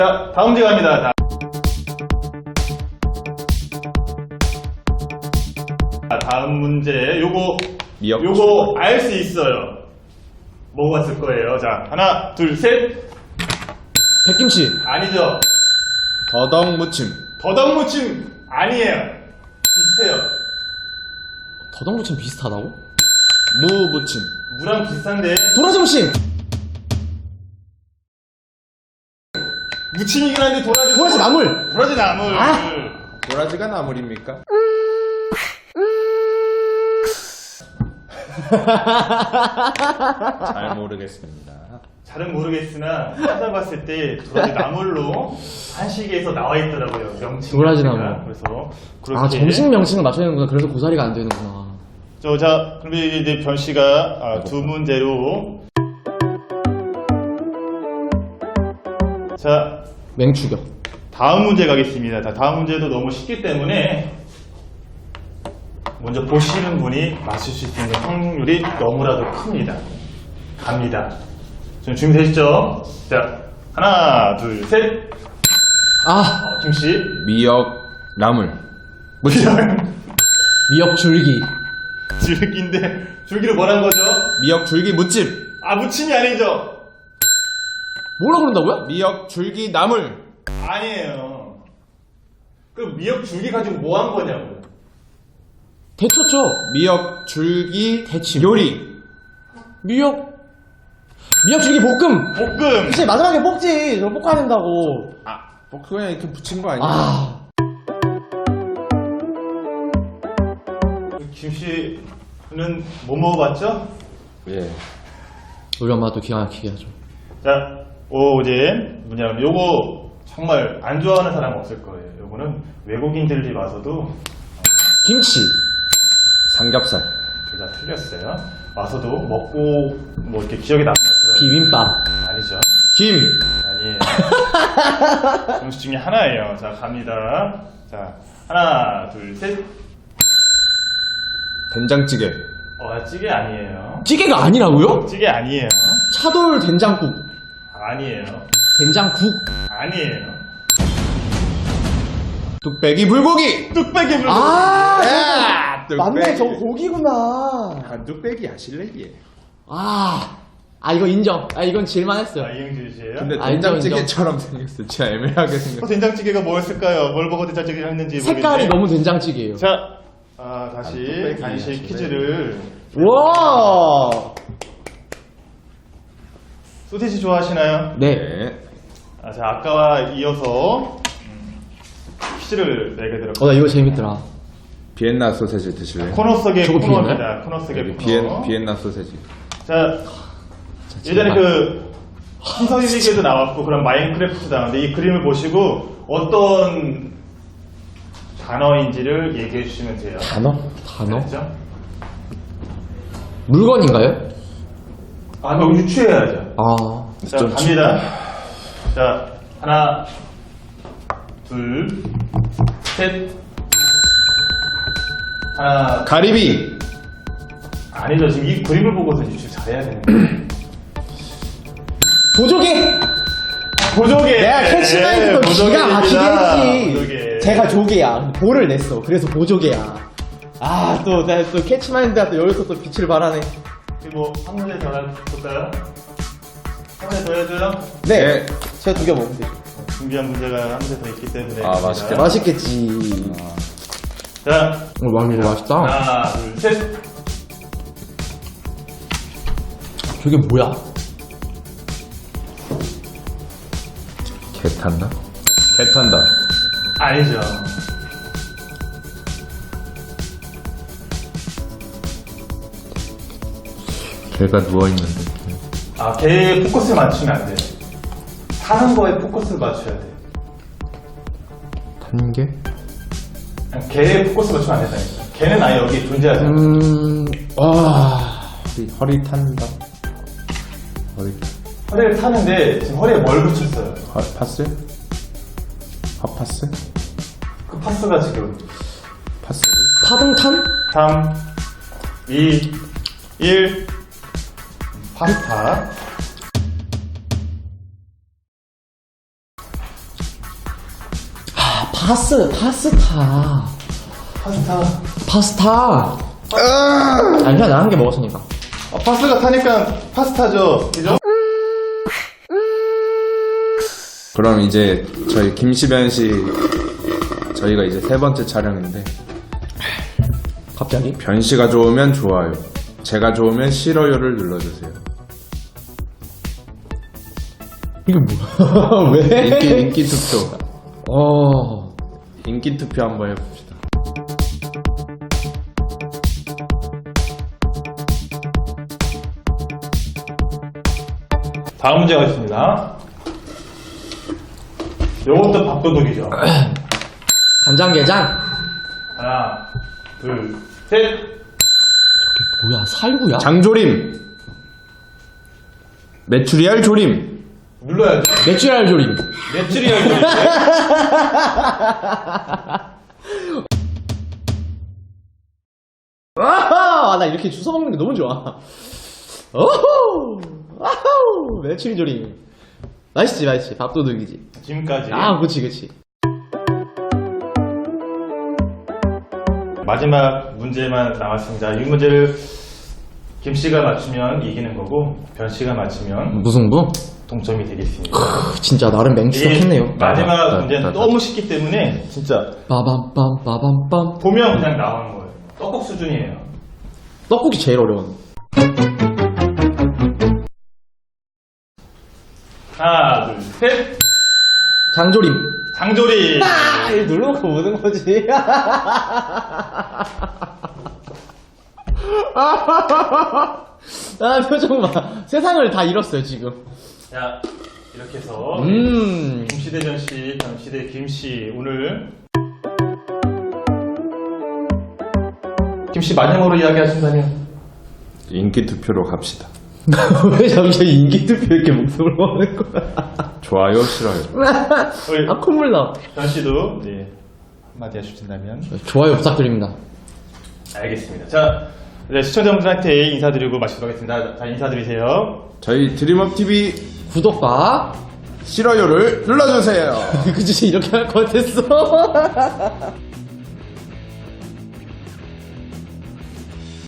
자, 다음 문제 갑니다. 다음 문제. 요거 알 수 있어요. 먹어봤을 거예요. 자, 하나, 둘, 셋. 백김치. 아니죠. 더덕무침. 더덕무침 아니에요. 비슷해요. 더덕무침 비슷하다고? 무무침. 무랑 비슷한데 도라지무침. 무침이긴 한데 도라지 나물. 도라지 나물. 도라지가 나물입니까? 잘 모르겠습니다. 잘은 모르겠으나 찾아봤을 때 도라지 나물로 한식에서 나와 있더라고요. 명칭. 도라지 자체가. 나물. 그래서 그렇게. 아, 정식 명칭을 맞춰야 되는구나. 그래서 고사리가 안 되는구나. 자, 그럼 이제 변 씨가 두 문제로. 자, 맹추격. 다음 문제 가겠습니다. 자, 다음 문제도 너무 쉽기 때문에 먼저 보시는 분이 맞출 수 있는 확률이 너무나도 큽니다. 갑니다. 좀 준비되시죠? 자, 하나, 둘, 셋. 김씨. 미역 나물. 미역 줄기. 줄기인데, 줄기를 뭐라는 거죠? 미역 줄기 무침. 무침이 아니죠? 뭐라 그런다고요? 미역 줄기 나물. 아니에요. 그 미역 줄기 가지고 뭐 한 거냐고요? 데쳤죠? 미역 줄기 대침. 요리. 미역 줄기 볶음. 볶음. 그치, 마지막에 볶지. 저거 볶아야 된다고. 그냥 이렇게 붙인 거 아니야? 김씨는 뭐 먹어봤죠? 예. 우리 엄마도 기가 막히게 하죠. 자, 이제 뭐냐면 요거 정말 안 좋아하는 사람 없을 거예요. 요거는 외국인들이 와서도 김치. 삼겹살. 둘 다 틀렸어요. 와서도 먹고 뭐 이렇게 기억에 남는 그런 비빔밥. 아니죠? 김. 아니에요. 음식 중에 하나예요. 자, 갑니다. 자, 하나, 둘, 셋. 된장찌개. 찌개 아니에요. 찌개가 아니라고요? 찌개 아니에요. 차돌 된장국. 아니에요. 된장국. 아니에요. 뚝배기 불고기. 뚝배기 물고기. 맞네, 저거 고기구나. 뚝배기야, 실내기에. 이거 인정. 이건 질만했어요. 이응주 씨예요. 근데 인정, 된장찌개처럼 생겼어. 진짜 애매하게 생겼어. 된장찌개가 뭐였을까요? 뭘 보고 된장찌개를 했는지 색깔이 모르겠네. 너무 된장찌개예요. 자, 다시 뚝배기 간식 아시네. 퀴즈를. 와. 소시지 좋아하시나요? 네. 네. 자, 아까와 이어서 퀴즈를 내게 들었고 나 이거 재밌더라. 비엔나 소세지 드실래요? 코너 속의 저거 코너입니다. 코너 속의 여기 코너. 비엔나 소세지. 자, 예전에 신서유기에도 나왔고 그런 마인크래프트 나왔는데 이 그림을 보시고 어떤 단어인지를 얘기해 주시면 돼요. 단어? 알았죠? 물건인가요? 너무 유추해야죠. 자, 좀 갑니다. 자, 하나, 둘, 셋. 하나. 가리비. 아니죠. 지금 이 그림을 보고서 유추 잘해야 되는 거예요. 보조개. 보조개. 내가 캐치마인드도 기가 막히게 했지. 보조개. 제가 조개야. 볼을 냈어. 그래서 보조개야. 내가 또 캐치마인드가 또 여기서 또 빛을 발하네. 한 문제 더 해볼까요? 한 문제 더 해줘요? 네. 제가 두 개 먹으면 되죠. 준비한 문제가 한 문제 더 있기 때문에. 맛있겠다. 맛있겠지. 자, 이거 맛있다. 하나, 둘, 셋. 저게 뭐야? 개 탄다? 개 탄다. 아니죠. 개가 누워있는데. 개에 포커스를 맞추면 안 돼요. 사는 거에 포커스를 맞춰야 돼요. 탄 개? 그냥 개에 포커스 맞추면 안 된다니까. 개는 아예 여기 존재하지 않아. 허리 탄다. 허리를 타는데 지금 허리에 뭘 붙였어요? 파스? 핫파스? 그 파스가 지금 파스? 파등탄? 3, 2, 1. 파스타. 파스타. 파스타. 아니, 그냥 나 한 개 먹었으니까. 파스가 타니까 파스타죠. 그죠? 그럼 이제 저희 김시변 씨 저희가 이제 세 번째 촬영인데 갑자기? 변 씨가 좋으면 좋아요, 제가 좋으면 싫어요를 눌러주세요. 이게 뭐야? 왜? 인기 투표. 인기 투표 한번 해봅시다. 다음 문제가 있습니다. 요것도 밥도둑이죠. 간장게장. 하나, 둘, 셋. 뭐야, 살구야? 장조림, 메추리알 조림. 눌러야죠. 메추리알 조림. 메추리알 조림. 아하! 나 이렇게 주워 먹는 게 너무 좋아. 오호! 아우! 메추리 조림. 맛있지, 맛있지. 밥도둑이지. 지금까지 아, 그치, 그치. 마지막 문제만 남았습니다. 이 문제를 김 씨가 맞추면 이기는 거고 변 씨가 맞추면 무승부? 동점이 되겠습니다. 진짜 나름 이게 맹추적했네요. 마지막 문제는 너무 쉽기 때문에 진짜 빠밤빰, 빠밤빰. 보면 그냥 나오는 거예요. 떡국 수준이에요. 떡국이 제일 어려운. 하나, 둘, 셋. 장조림. 장조림. 이거 누르고 오는 거지. 아, 표정 봐. 세상을 다 잃었어요, 지금. 자, 이렇게 해서 김씨 대 변 씨, 변 씨 대 김 씨 오늘 김 씨 마지막으로 이야기하신다면 인기 투표로 갑시다. 왜 잠시 인기 투표 이렇게 목소리를 하는 거야? 좋아요, 싫어요. 우리 아, 콧물 나. 변 씨도 네, 한마디 해주신다면 좋아요 부탁드립니다. 알겠습니다. 자, 네, 시청자분들한테 인사드리고 마치도록 하겠습니다. 자, 인사드리세요. 저희 드림업 TV 구독과 싫어요를 눌러주세요. 그치 이렇게 할 것 같았어.